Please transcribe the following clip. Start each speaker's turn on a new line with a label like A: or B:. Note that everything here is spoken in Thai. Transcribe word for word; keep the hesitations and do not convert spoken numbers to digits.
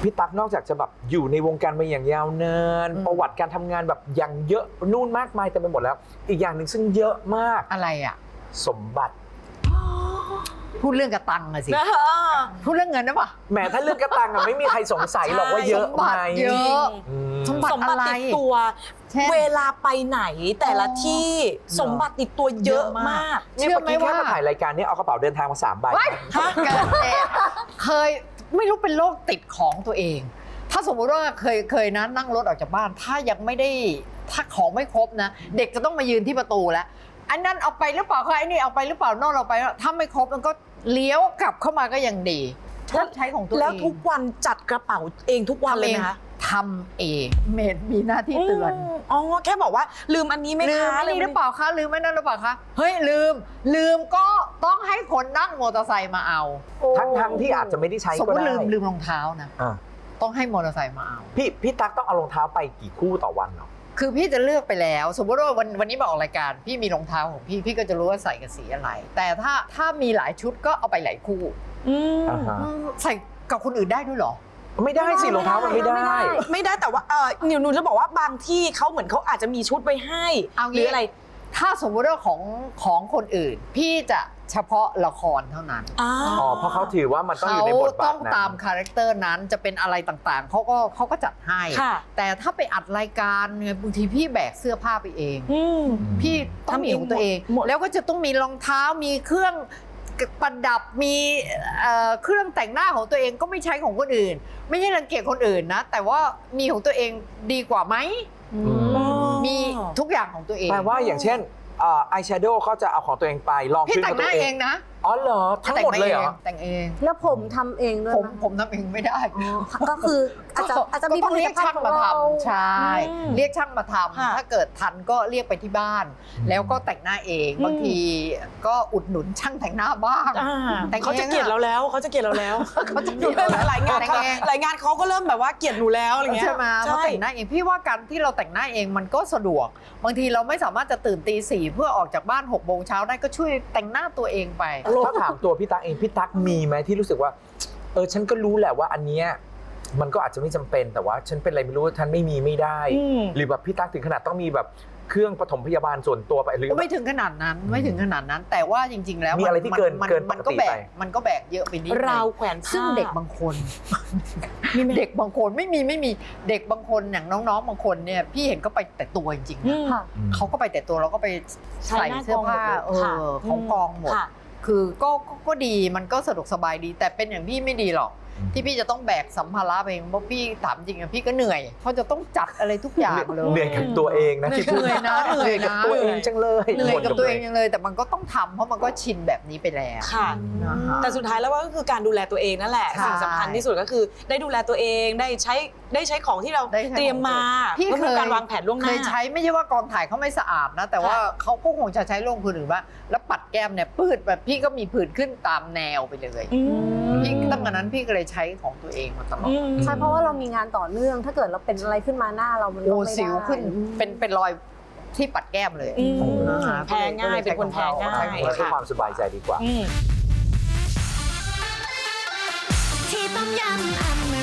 A: พี่ตั๊กนอกจากจะแบบอยู่ในวงการมาอย่างยาวนานประวัติการทำงานแบบอย่างเยอะนู่นมากมายเต็มไปหมดแล้วอีกอย่างหนึ่งซึ่งเยอะมาก
B: อะไรอ่ะ
A: สมบัติ
B: พูดเรื่องกระตังอะสิพูดเรื่องเงินนะปะ
A: แหมถ้าเรื่องกระตังอะไม่มีใครสงสัยหรอกว่าเยอะไหม
B: เยอะสมบัติ
C: สมบัติติดตัวเวลาไปไหนแต่ละที่สมบัติติดตัวเยอะมาก
A: เชื่อไหมว่าแค่มาถ่ายรายการนี้เอากระเป๋าเดินทางมาสามใบ
B: เคยไม่รู้เป็นโรคติดของตัวเองถ้าสมมติว่าเคยเคยนะนั่งรถออกจากบ้านถ้ายังไม่ได้ถ้าของไม่ครบนะเด็กจะต้องมายืนที่ประตูแล้วอันนั้นเอาไปหรือเปล่าคะไอ้นี่เอาไปหรือเปล่านอกเราไปถ้าไม่ครบมันก็เลี้ยวกลับเข้ามาก็ยังดีชอบใช้ของตัวเอง
C: แล้วทุกวันจัดกระเป๋าเองทุกวันเลยไหมคะ
B: ทำเองเมดมีหน้าที่เตือน
C: อ๋อแค่บอกว่าลืมอันนี้ไหมคะ
B: ลืมอันนี้หรือเปล่าคะลืมไม่นั่นหรือเปล่าคะเฮ้ยลืมลืมก็ต้องให้คนนั่งมอเตอร์ไซค์มาเอา
A: ทั้งทั้งที่อาจจะไม่ได้ใช้ก็ได้
B: สมมติลืมลืมรองเท้านะต้องให้มอเตอร์ไซค์มาเอา
A: พี่พี่ตั๊กต้องเอารองเท้าไปกี่คู่ต่อวันเนาะ
B: คือพี่จะเลือกไปแล้วสมมติว่าวันวันนี้มาออกรายการพี่มีรองเท้าของพี่พี่ก็จะรู้ว่าใส่กับสีอะไรแต่ถ้าถ้ามีหลายชุดก็เอาไปหลายคู่ใส่กับคนอื่นได้ด้วยเหรอ
A: ไม่ได้สิรองเท้ามันไม่ได้
C: ไม่ได้แต่ว่าเออหนูหนูจะบอกว่าบางที่เขาเหมือนเขาอาจจะมีชุดไว้ให้หรืออะไร
B: ถ้าสมมติว่าของของคนอื่นพี่จะเฉพาะละครเท่านั้น
A: อ๋อเพราะเขาถือว่ามันต้องอยู่ในบทบาทนั้น
B: ต้องตามคาแรคเตอร์นั้นจะเป็นอะไรต่างๆเขาก็เขาก็จัดให้แต่ถ้าไปอัดรายการเนี่ยบางทีพี่แบกเสื้อผ้าไปเองพี่ต้องมีของตัวเองแล้วก็จะต้องมีรองเท้ามีเครื่องประดับมีเครื่องแต่งหน้าของตัวเองก็ไม่ใช้ของคนอื่นไม่ใช่รังเกียจคนอื่นนะแต่ว่ามีของตัวเองดีกว่าไหมมีทุกอย่างของตัวเอง
A: แปลว่าอย่างเช่นอายแชโดว์เขาจะเอาของตัวเองไปลอง
B: พี่แต่งหน้าเองนะ
A: อ๋อเหรอทั้งหมดเลยเหรอ
B: แต่งเอง
D: แล้วผมทำเองด้วย
B: ผมผมทำเองไม่ได้
D: ก็คืออาจจะอาจจะมี
B: ต้องเรียกช่างมาทำใช่เรียกช่างมาทำถ้าเกิดทันก็เรียกไปที่บ้านแล้วก็แต่งหน้าเองบางทีก็อุดหนุนช่างแต่งหน้าบ้าง
C: แต่เขาจะเกลียดเราแล้วเขาจะเกลียดเราแล้ว
B: เขาจะเกลียดเรา
C: หลายงานหลายงานเขาก็เริ่มแบบว่าเกลียดหนูแล้วอะไรเงี้ย
B: ใช่ไหมเขาแต่งหน้าเองพี่ว่าการที่เราแต่งหน้าเองมันก็สะดวกบางทีเราไม่สามารถจะตื่นตีสี่เพื่อออกจากบ้านหกโมงเช้าได้ก็ช่วยแต่งหน้าตัวเองไป
A: ถ้าถามตัวพี่ตั๊กเองพี่ตั๊กมีไหมที่รู้สึกว่าเออฉันก็รู้แหละว่าอันเนี้ยมันก็อาจจะไม่จำเป็นแต่ว่าฉันเป็นอะไรไม่รู้ฉันไม่มีไม่ได้หรือแบบพี่ตั๊กถึงขนาดต้องมีแบบเครื่องปฐมพยาบาลส่วนตัวไปหรือ
B: ไม่ถึงขนาดนั้นไม่ถึงขนาดนั้นแต่ว่าจริงๆแล้ว
A: มีอะไรที่เกินเกินปกติไป
B: มันก็แบกเยอะไปนิด
C: ราวแขวนผ้า
B: ซึ่งเด็กบางคนเด็กบางคนไม่มีไม่มีเด็กบางคนอย่างน้องๆบางคนเนี่ยพี่เห็นก็ไปแต่ตัวจริงๆนะเขาก็ไปแต่ตัวแล้วก็ไปใส่เสื้อผ้าเออของกองหมดคือก็ก็ดีมันก็สะดวกสบายดีแต่เป็นอย่างพี่ไม่ดีหรอกที่พี่จะต้องแบกสัมภาระไปเองเพราะพี่ถามจริงอะพี่ก็เหนื่อยเพราะจะต้องจัดอะไรทุกอย่างเลย
A: เหนื่อยกับตัวเองนะที่พูด
B: เหนื่อยนะเหนื่อย
A: กับตัวเองจังเลย
B: เหนื่อยกับตัวเองจังเลยแต่มันก็ต้องทำเพราะมันก็ชินแบบนี้ไปแล้ว
C: ค่ะแต่สุดท้ายแล้วก็คือการดูแลตัวเองนั่นแหละสิ่งสำคัญที่สุดก็คือได้ดูแลตัวเองได้ใช้ได้ใช้ของที่เราเตรียมมา
B: พี่เคย
C: การวางแผนล่วงหน้า
B: เคยใช้ไม่ใช่ว่ากองถ่ายเขาไม่สะอาดนะแต่ว่าเขาก็คงจะใช้ลงพื้นหรือว่าแล้วปัดแก้มเนี่ยปืดแบบพี่ก็มีผื่นขึ้นตามแนวไปเลยพี่ตั้งแต่นั้นพี่ก็เลยใช้ของตัวเองมาตลอด
D: ใช่เพราะว่าเรามีงานต่อเนื่องถ้าเกิดเราเป็นอะไรขึ้นมาหน้าเรามันก็ไม่ได้
B: สิวขึ้นเป็นเป็นรอยที่ปัดแก้มเลย
C: แพ้ง่ายเป็นคนแพ้ง่าย
A: เพื่อความสบายใจดีกว่า
E: ที่ต้มยำอ